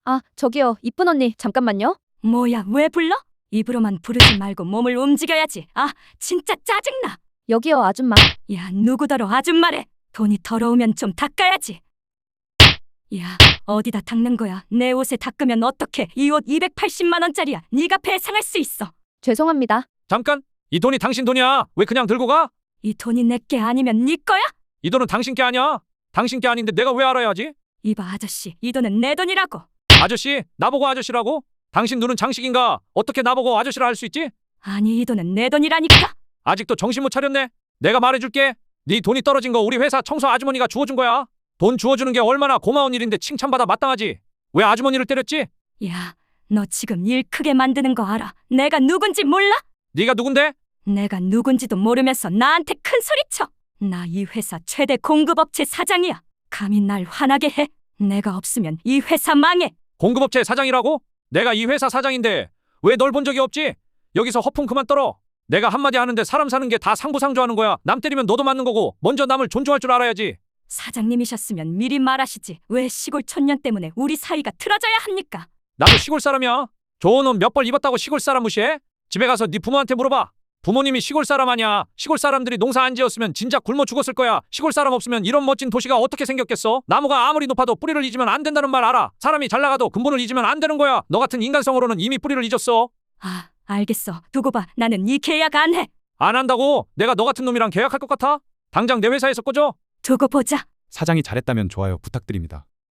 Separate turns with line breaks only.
아, 저기요, 이쁜 언니, 잠깐만요.
뭐야, 왜 불러? 입으로만 부르지 말고 몸을 움직여야지. 아, 진짜 짜증나.
여기요, 아줌마.
야, 누구더러 아줌마래. 돈이 더러우면 좀 닦아야지. 야, 어디다 닦는 거야? 내 옷에 닦으면 어떡해? 이 옷 280만 원짜리야. 네가 배상할 수 있어.
죄송합니다.
잠깐! 이 돈이 당신 돈이야. 왜 그냥 들고 가?
이 돈이 내 게 아니면 네 거야?
이 돈은 당신 게 아니야. 당신 게 아닌데 내가 왜 알아야지?
이봐, 아저씨, 이 돈은 내 돈이라고.
아저씨, 나보고 아저씨라고? 당신 눈은 장식인가? 어떻게 나보고 아저씨라 할 수 있지?
아니, 이 돈은 내 돈이라니까.
아직도 정신 못 차렸네. 내가 말해줄게. 네 돈이 떨어진 거 우리 회사 청소 아주머니가 주워준 거야. 돈 주워주는 게 얼마나 고마운 일인데 칭찬받아 마땅하지. 왜 아주머니를 때렸지?
야, 너 지금 일 크게 만드는 거 알아? 내가 누군지 몰라?
네가 누군데?
내가 누군지도 모르면서 나한테 큰 소리쳐. 나 이 회사 최대 공급업체 사장이야. 감히 날 화나게 해. 내가 없으면 이 회사 망해.
공급업체 사장이라고? 내가 이 회사 사장인데 왜 널 본 적이 없지? 여기서 허풍 그만 떨어. 내가 한마디 하는데 사람 사는 게 다 상부상조하는 거야. 남 때리면 너도 맞는 거고 먼저 남을 존중할 줄 알아야지.
사장님이셨으면 미리 말하시지. 왜 시골 촌년 때문에 우리 사이가 틀어져야 합니까?
나도 시골 사람이야. 좋은 옷 몇 벌 입었다고 시골 사람 무시해? 집에 가서 네 부모한테 물어봐. 부모님이 시골 사람 아니야. 시골 사람들이 농사 안 지었으면 진짜 굶어 죽었을 거야. 시골 사람 없으면 이런 멋진 도시가 어떻게 생겼겠어? 나무가 아무리 높아도 뿌리를 잊으면 안 된다는 말 알아. 사람이 잘 나가도 근본을 잊으면 안 되는 거야. 너 같은 인간성으로는 이미 뿌리를 잊었어.
아, 알겠어. 두고 봐. 나는 이 계약 안 해.
안 한다고? 내가 너 같은 놈이랑 계약할 것 같아? 당장 내 회사에서 꺼져.
두고 보자.
사장이 잘했다면 좋아요 부탁드립니다.